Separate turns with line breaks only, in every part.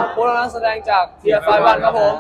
พวกเรานักแสดงจากเทียร์ไฟวันครับผม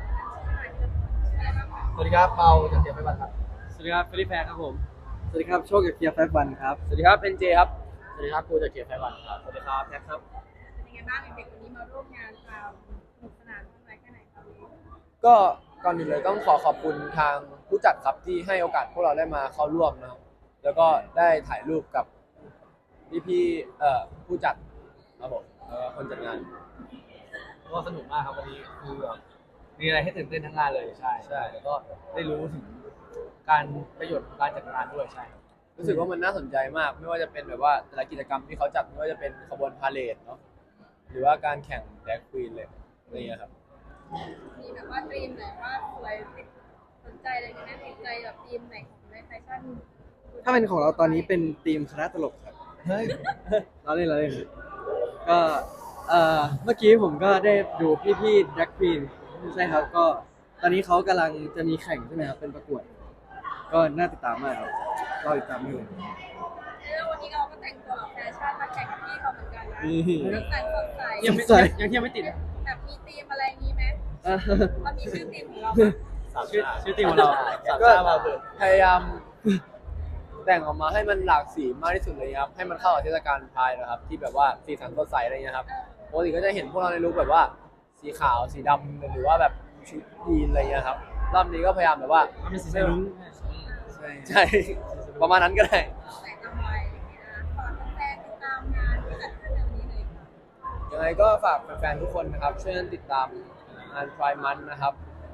สวัสดีครับเปาจากเทียร์ไฟวันครับ
สวัสดีครับฟิลิปแพรครับผม
สวัสดีครับโชคจากเกียร์5 วันครับ
สวัสดีครับเป็นเจครับ
สวัสดีครับกูจากเทียร์ไฟวันครับสวัสดีครับแท็กครับ
เป็นยังไงบ้างเด็กๆวันนี้มาร่วมงานความสนุกสนานมากน้อยแค่ไหนครับ
ก็ก่อนอื่นเลยต้องขอบคุณทางผู้จัดครับที่ให้โอกาสพวกเราได้มาเข้าร่วมนะครับแล้วก็ได้ถ่ายรูปกับพี่ผู้จัดครับผมคนจัดงาน
ก็สนุกมากครับวันนี้คือแบบมีอะไรให้ตื่นเต้นทั้งงานเลยใช่แล้วก็ได้รู้ถึงการประโยชน์ของการจัดงานด้วยใช่
รู้สึกว่ามันน่าสนใจมากไม่ว่าจะเป็นแบบว่าแต่ละกิจกรรมที่เขาจัดไม่ว่าจะเป็นขบวนพาเหรดเนาะหรือว่าการแข่งแดกควีนเลยอะไรอย่างเงี้ยครับ
มีแบบว่าธีมไหนว่าสวยติดสนใจอะไรกันแน่ติดใจแบบธีมไหนของในแฟชั่น
ถ้าเป็นของเราตอนนี้เป็นทีมคณะตลกครับ
เฮ้ย
เราเล่นก็เมื่อกี้ผมก็ได้ดูพี่ๆแดกควีนใช่ครับก็ตอนนี้เขากำลังจะมีแข่งใช่ไหมครับเป็นประกวดก็น่าติดตามมากครับรอติดตามด้วย
แล้ววันนี้เราก็แต่งตัวแบบแฟชั่นมาแข่งกับพี่เขาเหมือนกันนะแต่งสดใส
ยังเที่ยวไม่ติด
แบบมีธีมอะไรงี้ไหมเรามีชื่อธีมของเรา
ชื่อทีมของเราก็พยายามแต่งออกมาให้มันหลากสีมากที่สุดเลยครับให้มันเข้ากับเทศกาลพายนะครับที่แบบว่าสีสันสดใสอะไรเงี้ยครับปกติก็จะเห็นพวกเราในลุคแบบว่าสีขาวสีดำหรือว่าแบบชุดยีนอะไรเงี้ยครับรอบนี้ก็พยายามแบบว่า
เป็นสีรุ้ง
ใช่ประมาณนั้นก็ได้
แต่งทำไมอย่างเงี้ยนะฝากแฟนๆติดตามงานที่จัดขึ้นในวันนี้เลยค่ะ
ยังไงก็ฝากแฟนๆทุกคนนะครับช่วยกันติดตามงาน Pride Month นะครับ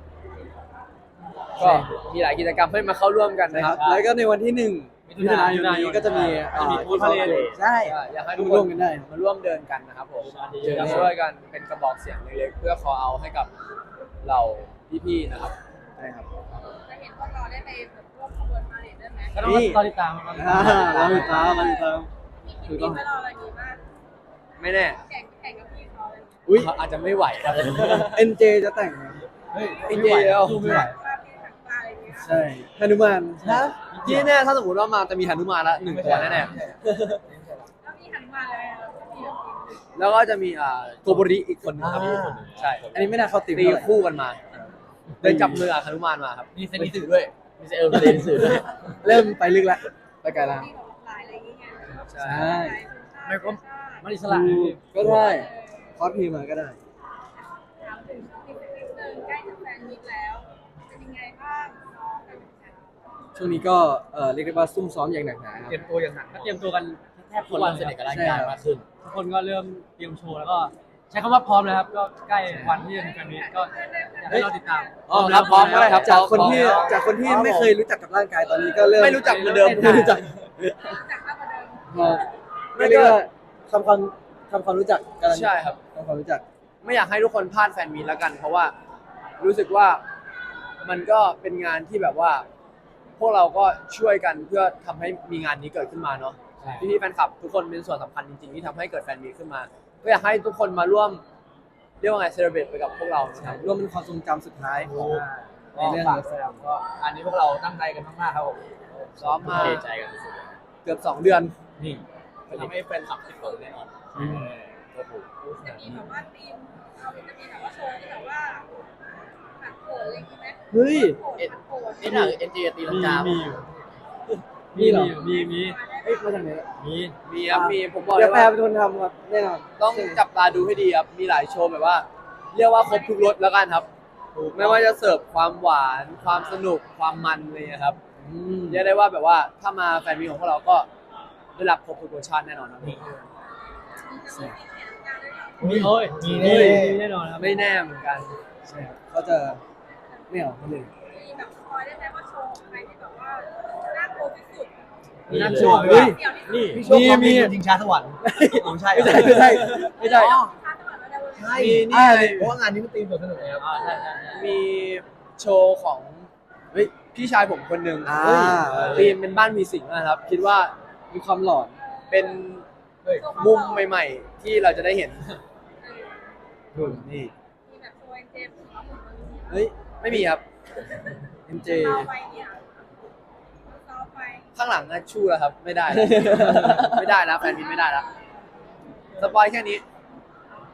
ก็มีหลายกิจกรรมให้มาเข้าร่วมกันนะครับ
แล้วก็ในวันที่1 มิถุนายนนี้ก็จะมี
บูธพาเลท
ใช่
อยากให้ทุกคน
ร่วมกันได้
มาร่วมเดินกันนะครับผมจะช่วยกันเป็นกระบอกเสียงเล็กๆเพื่อคอเอาให้กับเราพี่ๆนะครับ
ใช่ครับ
จะเห็นพวกเราได้ไปแบบร่วมขบวนพาเหรดด้วยไหม
ก็ต้องรอติดตาม
เราติดตาม
มีคิดดีไหมเราอะไรนี้มาก
ไม่แน่
แข่งกับพี่เขาอะไรอย่างเงี้ย
อุ้ย
อาจจะไม่ไหวครับ
NJ จะแต่งนะ
เฮ้ย
จริงๆแล้ว
ไม่ไหว
ว่าพี่ถังปลาอะไรอย่างเงี้ย
ใช่หนุมาน
นะที่แน่ถ้าสมมติว่ามาจะมีหนุมานละ1 ตัวแน่
แล้วมีหันมาเลยแล้วมีแบบ
ๆแล้วก็จะมีโกโบริอีกคนนึงครับใช่
อันนี้ไม่น่าเข้าตีม
ตี
เท่าไหร่
คู่กันมาเดินจับมือกับหนุมานมาครับ
มีเซนิสึด้วยมีเซเอลเซนิสึด้วย
เริ่มไปลึกแล้วไปไกลแล้ว
ที่แบบหลายอะไรอย่างเงี้ย
ใช่
ใช่
ไม่ก็มันอิสระ
ก็ได้คอสเพลย์มาก็ได้
ถามถึงช่วงนี้สักนิดนึงใกล้จะแฟนมิตแล้วเป็นยังไงบ้างน้องกันบ้าง
ช่วงนี้ก็เรียกได้ว่าซุ่มซ้อมอย่างหนักหนาครับ
เตรียมตัวอย่างหนัก
ก็เตรียมตัวกันแทบ
ทุกวันสนิทกับร่างกายมากขึ้น
ทุกคนก็เริ่มเตรียมโชว์แล้วก็ใช้คำว่าพร้อมแล้วครับก็ใกล้วันที่จะถึงแฟนมีตก็อยากให้เราติดตามพร้อมก็ได้ครับ
จากคนที่ไม่เคยรู้จักกับร่างกายตอนนี้ก็เริ่ม
ไม่รู้จักเหมือนเดิม
ไม่รู้จัก
จากภาพเดิม
ไม่เรียกว่าทำความรู้จักกัน
ใช่ครับ
ทำความรู้จัก
ไม่อยากให้ทุกคนพลาดแฟนมีตแล้วกัน เพราะว่ารู้สึกว่ามันก็เป็นงานที่แบบว่า พวกเราก็ช่วยกันเพื่อทำให้มีงานนี้เกิดขึ้นมาเนาะพี่ๆแฟนคลับทุกคนเป็นส่วนสำคัญจริงๆที่ทำให้เกิดแฟนมีตขึ้นมาก็อยากให้ทุกคนมาร่วมเรียกว่าไงเซเลบรตไปกับพวกเรานะครับ
ร่วมเป็นความทรงจำสุดท้ายของใน
ใน
เรื่
เรื่
อ
อง งแสดงก็อันนี้พวกเราตั้งใจกันมากๆครับผม
ซ้อมมา
เทใจกันสุด
เกือบ2 เดือน
ๆนี่ทำให้แฟนคลับติดต่อแน่นอนโอ้โห
จะมีแบบว่าทีมเราจะมีแบบว่าโชว์ที่แบบว่าหักโขนอะไรอย่างงี้ไหม
เฮ้ย
หักโขน
นี่หนัง NJ ตีลังกา
มีเหรอ
มี
เฮ้ยมาจากไหน
มีครับมีผมบอกเล
เดี๋ย
ยว
แพร
ว่า
เป็นคนทำครับแน่นอน
ต้องจับตาดูให้ดีครับมีหลายโชว์แบบว่า เรียกว่าครบทุกรสแล้วกันครับไม่ว่าจะเสิร์ฟความหวานความสนุกความมันอะไรอย่างเงี้ยครับเรียกได้ว่าแบบว่าถ้ามาแฟนมีตของพวกเราก็ได้รับครบทุกรสชาติแน่นอนครับ
มีโอ้ยมี
แน่นอนครับไม่แน่เหมือนกัน
ใช่ครับเขาจะไม่เอาเขาเลย
มีแบบสปอยได้ไหมว่าโชว์ของใครที่แบบว่าน่ากลัวที่สุด
นัก
โช
โช
ว์
ว์
เฮ้ย
เดี๋ยวนี้
นี่
มี
มีชิงช้าสวรรค์ไม่ใช่
ไม่ใช่ไม่ใช่
อ๋อคาดหวังว่าจะ
ใช่
มีนี่
เพราะว่างานนี้มันตีมสนุกเลยครับใช่
มีโชว์ของเฮ้ยพี่ชายผมคนหนึ่ง
อ่า
ธีมเป็นบ้านมีสิงนะครับ คิดว่า
มีความหลอน
เป็น
เฮ้ย
มุมใหม่ๆ ที่เราจะได้เห็นนี่
มีแบบโชว์เอ็นเจมส์ของเราหมดเลย
เฮ้ย
ไม่มีครับ
MJ
เราไปเนี่ยเราไป
ข้างหลังนะชู้แล้วครับ ไม่ได้แล้ว ไม่ได้แล้วแฟนมินไม่ได้แล้วสปอยแค่นี้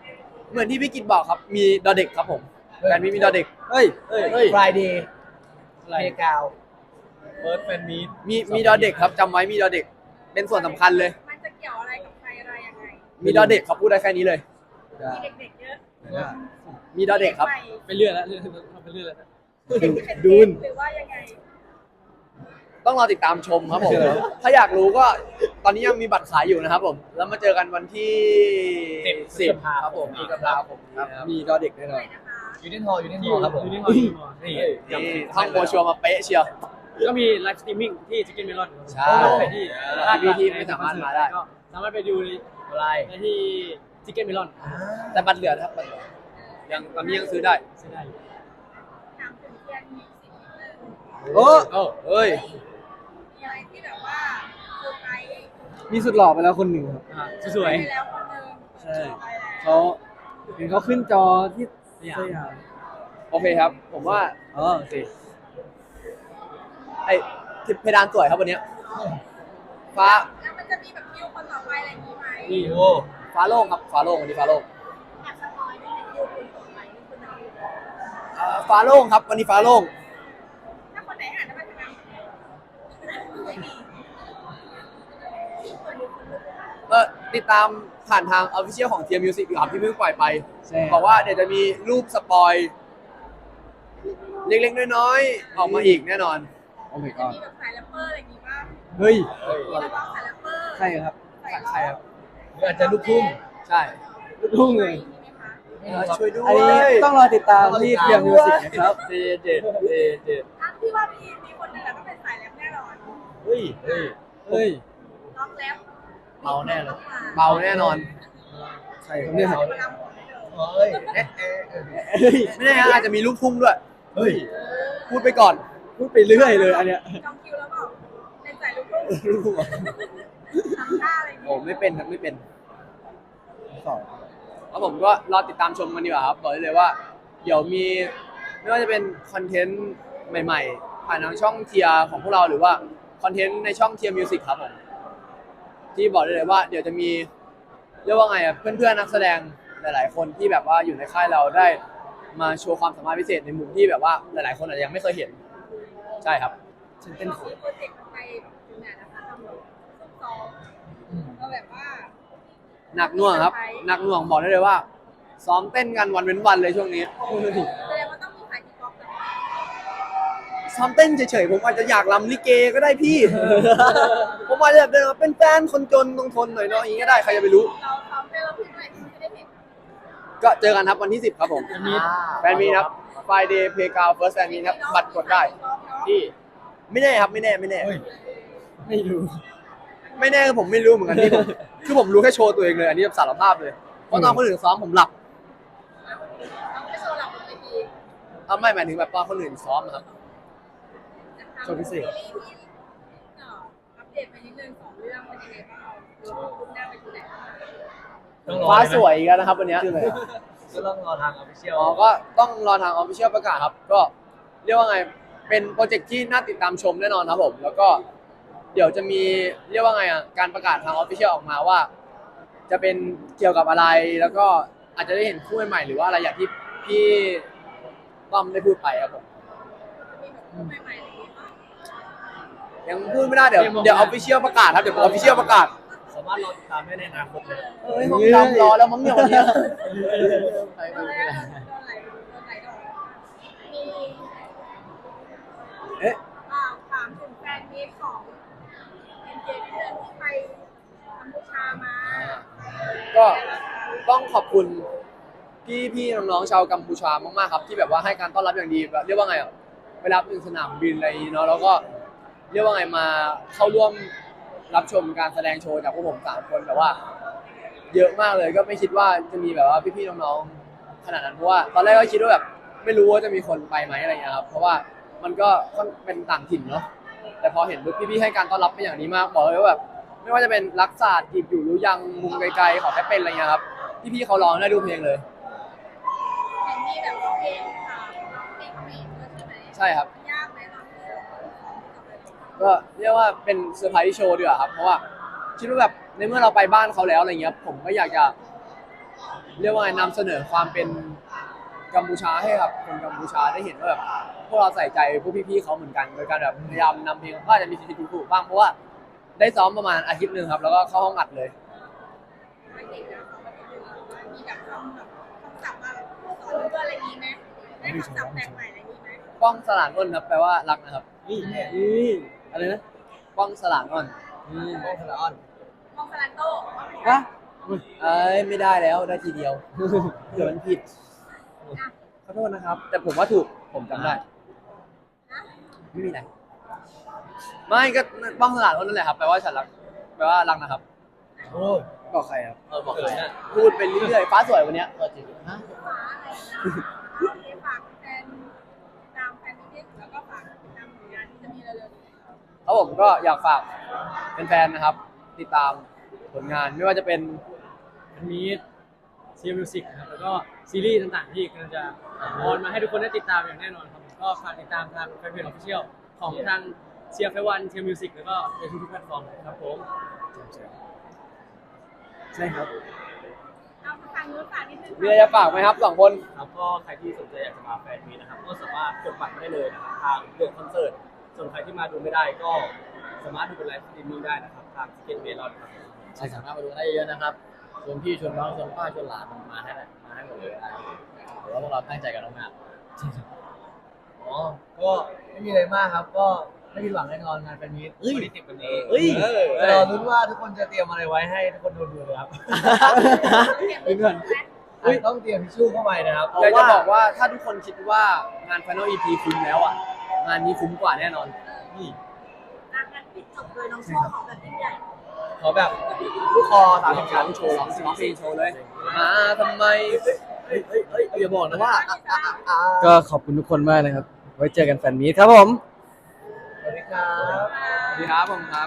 เหมือนที่พี่กิตบอกครับมีดอเด็กครับผมแฟนมีดอเด็ก
เฮ้ย
Friday เพกาว
เฟิร์สแฟนมี
มีดอเด็กครับจำไว้มีดอเด็ก เป็นส่วนสำคัญเลย
มันจะเกี่ยวอะไรกับใครอะไรยังไง
มีดอเด็กครับพูดได้แค่นี้เลย
มีเด็กๆเยอะ
มีดอเด็กครับ
ใหม่
ไปเรื่อยแล้วไปเรื่อยแล้ว
ดูนหรือว่ายังไง
ต้องรอติดตามชมครับผม ถ้าอยากรู้ก็ตอนนี้ยังมีบัตรขายอยู่นะครับผม แล้วมาเจอกันวันที่10ครับผมที่กำลาผมครับ
มีดอเด็กแน่น
ห
อ
น่อน ยนะคะ
ยูนิทอครับผม
ยูนิคอร์น
นี่
นี่ท่องโบชัวร์มาเป๊ะเชียว
ก็มีไลฟ์สตรีมมิ่งที่จิกเก้นเมลอน
ใช่
ที่
ที่ไม่สามารถมาได้
ก็สามารถไปดู
อะไร
ได้ที่จิกเก้นเมลอน
แต่บัตรเหลือนะครับบัตรเหลือยังตอนนี้ยังซื้อได้
ซื้อได้
ถามถึงเทียนมีสิ่งนิดนึง
โอ้
เอ้ย
มีอะไรที่แบบว่าเซอร์ไพรส์
มีสุดหล่อไปแล้วคนหนึ่งครับสวย
ไปแล้วคนหนึง
ใช่
ไปแล้ว
เขาเห็นเขาขึ้นจอที่สยาม
โอเคครับ ผมว่า
อ๋อสิ
ไอ้ที่เพดานสวยครับวันเนี้ยฟ้า
แล้วมันจะมีแบบคิวคนต่อไปอะไรอย่างนี้ไหม
นี่โอ้
ฟ้าโล่งครับฟ้าโล่งวันนี้ฟ้าโล่ง
อยากสปอยได้ไหมคิวคนต่อไปนี่คนไหน
ฟ้าโล่งครับวันนี้ฟ้าโล่ง
ถ้าคนไหนอ่านได้บ้างไหมไม่มี
ติดตามผ่านทาง Official ของ Team Music ครับที่เพิ่งปล่อยไป
ใช่
บอกว่าเดี๋ยวจะมีรูปสปอยเล็กๆน้อยๆออกมาอีกแน่นอน
โอ้ my
จะ
god
มีแบบสายแรปเปอร์อะไรอย่างนี้บ้าง
เฮ้ย
มีนักร้องสายแรปเปอร์
ใครครับ
สาย
ใช่ครับ
หรืออาจจะลูกทุ่ง
ใช่
รุ่งเลย
มีไหมคะ
ช่วยด้วย
อันนี้ต้องรอติดตามที่เทียมมิวสิกนะครับ
เจ
อ่ะพี่ว่ามีคนหนึงอะต้องเป็นสายแรปแน่นอน
เฮ้ย
เฮ้ย
ร้องแรป
เมาแน่เลย
เบาแน่นอน
ใครครับเนี่ย
เอามาลำผมให้ดู
เฮ้ย
ไม่แน่อาจจะมีลูกทุ่งด้วย
เฮ้ย
พูดไปก่อน
พูดไปเรื่อยเลยอันเนี้ย
จองคิวแล้วเปล่าเป็นสายลูกทุ่ง
ลูกทุ่งเหรอ
ทำท่าอะไรอย่าง
โอ้
นี้
ไม่เป็นครับไม่เป็น
สอง
แล้วผมก็รอติดตามชมกันดีกว่าครับบอกได้เลยว่า เดี๋ยวมีไม่ว่าจะเป็นคอนเทนต์ใหม่ๆ ผ่านทางช่องเทียร์ของพวกเราหรือว่าคอนเทนต์ในช่องเทียร์มิวสิกครับผมที่บอกได้เลยว่า เดี๋ยวจะมีเรียกว่าไงอ่ะเพื่อนๆนักแสดงหลายๆคนที่แบบว่าอยู่ในค่ายเราได้มาโชว์ความสามารถพิเศษในมุมที่แบบว่าหลายๆคนอาจจะยังไม่เคยเห็นใช่ครับ
ฉันเป็น
โปรเจกต์ไปถึงไหนนะคะทำแบบซุ่มซ้อมก็แบบว่า
หนักหน่วงครับหนักหน่วงบอกได้เลยว่า ซ้อมเต้นกันวันเว้นวันเลยช่วงนี้
แสดงว่าต้องมีสายกีบ็อกซ์นะคะ
ซ้อมเต้นเฉยๆผมอาจจะอยากรำลิเกก็ได้พี่ ผมอาจจะแบบเดินมาเป็นแฟนคนจนต้องทนหน่อยเนาะอย่างนี้ก็ได้ใครจะไปรู้
เราซ้อมเต้นเราพิมพ์ด้วยไม่ได้เห็น
ก็เจอกันครับวันที่ 10 ครับผมแฟนมีครับ Friday Playground First Fan Meet ครับบัตรกดได้ที่ไม่แน่ครับไม่แน่
ไม่รู้
ไม่แน่คือผมไม่รู้เหมือนกันที่ผมคือผมรู้แค่โชว์ตัวเองเลยอันนี้สารภาพเลยเพราะตอนคนอื่นซ้อมผมหลับ
เราไม่โชว์หลับบนเวที
ไม่หมายถึงแบบตอนคนอื่นซ้อมอะครับ
โชว์พิเศษ
ซีรีส์ที่อัปเดตไปนิดนึง2เรื่องเป็นยังไงบ้างเราคุณหน้าไปที่ไหนบ้าง
ต้องรอ
ฟ้าสวยอีกแล้วนะครับวันเนี้ย
ก็ต้องรอทางออฟฟิเชียล
อ๋อก็ต้องรอทาง Official ประกาศครับ ก็เรียกว่าไง เป็นโปรเจกต์ที่น่าติดตามชมแน่นอนครับผม แล้วก็เดี๋ยวจะมีเรียกว่าไงอ่ะ การประกาศทาง Official ออกมาว่า จะเป็นเกี่ยวกับอะไร แล้วก็อาจจะได้เห็นคู่ใหม่ๆหรือว่าอะไรอย่างที่พี่ต้อมได้พูดไปครับผม
มีแบบคู่ใหม่ๆอะไรอย่างเงี้ยบ้าง
ยังพูดไม่ได้เดี๋ยว Official ประกาศครับ เดี๋ยว Official ประกาศ
สามารถรอติดตามได้ในอนาคตเลย
เฮ้ยห้องดำรอแล้วมั้งเนี่ยวันเนี้ย
โดนอะไรโดนไหลดอกมี
เอ๊ะ
ถามถึงแฟนมีตของเอ็นเจนิดนึงที่ไปกัมพูชามา
ก็ต้องขอบคุณพี่น้องๆชาวกัมพูชามากๆครับ ที่แบบว่าให้การต้อนรับอย่างดีแบบเรียกว่าไงอ่ะไปรับถึงสนามบินอะไรอย่างงี้เนาะแล้วก็เรียกว่าไงมาเข้าร่วมรับชมการแสดงโชว์จากพวกผม3คนแบบว่า เยอะมากเลยก็ไม่คิดว่าจะมีแบบว่าพี่ๆน้องๆขนาดนั้นเพราะว่าตอนแรกก็คิดว่าแบบไม่รู้ว่าจะมีคนไปไหมอะไรอย่างเงี้ยครับเพราะว่ามันก็ค่อนเป็นต่างถิ่นเนาะแต่พอเห็นปุ๊บพี่ๆให้การต้อนรับเป็นอย่างดีมากบอกเลยว่าแบบไม่ว่าจะเป็นรักศาสตร์จีบอยู่รู้ยังมุมไกลๆขอแค่เป็นอะไรเงี้ยครับพี่ๆเขาร้องได้ดูเพลงเลย
เห็นมีแบบร้องเพลงค่ะร้องเพลงเขมรด้วยใช่ไหม
ใช่ครับ
ยากไหมร้องเพลง
ก็เรียกว่าเป็นเซอร์ไพรส์โชว์ดีกว่าครับเพราะว่าคิดว่าแบบในเมื่อเราไปบ้านเขาแล้วอะไรเงี้ยผมก็อยากจะเรียกว่าไงนำเสนอความเป็นกัมพูชาให้กับคนกัมพูชาได้เห็นว่าแบบพวกเราใส่ใจพวกพี่ๆเขาเหมือนกันโดยการแบบพยายามนำเพลงก็อาจจะมีผิดถูกบ้างเพราะว่าได้ซ้อมประมาณอาทิตย์หนึ่งครับแล้วก็เข้าห้องอัดเลย
ไม่เก่งนะเขาไม่ได้ดูว่ามีแบบคำศัพท์มาแบบสอนเพื่อนอะไรนี้ไหมได้คำศัพท์แปลกใหม่อะไรนี้ไหม
ป้องสลานอ้นครับแปลว่ารักนะครับ
นี่อะไรนะ
ป้องสลานอ้น
โอ้คาราออน
มองสลันโต้
ฮะ
เอ้ยไม่ได้แล้วได้ทีเดียวเดี๋ยวมันผิดขอโทษนะครับ แต่ผมว่าถูกผมจำได้ไม่มีอะไรไม่ก็ป้องสลานอ้นนั่นแหละครับแปลว่าฉันรักแปลว่ารักนะครับ
โอ้ย
บอกใครครับ
บอกเลยนะ
พูดไปเรื่อยๆฟ้าสวยวันเนี้ยจริงฮะ
ฟ้าอะไรนะฝากแฟนตามแฟนมิตรแล้วก็ฝากตามผลงานที่จะมีเร็วๆนี้
ครับผมก็อยากฝากแฟนๆนะครับ ติดตามผลงานไม่ว่าจะเป็น
มีเซียมิวสิกครับแล้วก็ซีรีส์ต่างๆที่กำลังจะออนมาให้ทุกคนได้ติดตามอย่างแน่นอนครับก็ฝากติดตามทางแฟนเพจออฟฟิเชียลของทางเซียเฟวันเซียมิวสิกแล้วก็ในทุกๆแพลตฟอร์มครับผมใช่ครับ
เอาทางนู้นฝากนิดนึง
มีอะไรจะฝากไหมครับสองคน
ครับก็ใครที่สนใจอยากจะมาแฟนมีนะครับก็สามารถกดบัตรได้เลยนะครับทางเดือนคอนเสิร์ตส่วนใครที่มาดูไม่ได้ก็สามารถดูเป็นไลฟ์สตรีมมิ่งได้นะครับทางทิเก็ตเมลอนครับ
ใช่สามารถมาดูได้เยอะนะครับชวนพี่ชวนน้องชวนป้าชวนหลานมาให้ได้มาให้หมดเลยนะหรือว่าพวกเราตั้งใจกันมาก
อ๋อก็ไม่มีอะไรมากครับ ก็ไม่ผิดหวังแน่นอนงานแฟนมีตวันที่10วันนี้
เฮ้ย
แต่รอลุ้นว่าทุกคนจะเตรียมอะไรไว้ให้ทุกคนดูเลยครับ
เพื่อน
ต้องเตรียมทิชชู่เข้าไปนะครับ
อยากจะบอกว่าถ้าทุกคนคิดว่างาน Final EP คุ้มแล้วอ่ะ งานนี้คุ้มกว่าแน่นอน
นี่
งานปิดจบโดยน้องโชว์ของแบบยิ่งใหญ่
ขอแบบลูกคอ30 ชั้น
โชว์ร้องเพลงโชว์เลย มาทำไม
อย่าบอกนะว่า
ก็ขอบคุณทุกคนมากนะครับ ไว้เจอกันแฟนมีตครับผม
สวัสดีครับ
สวัสดีครับผมครับ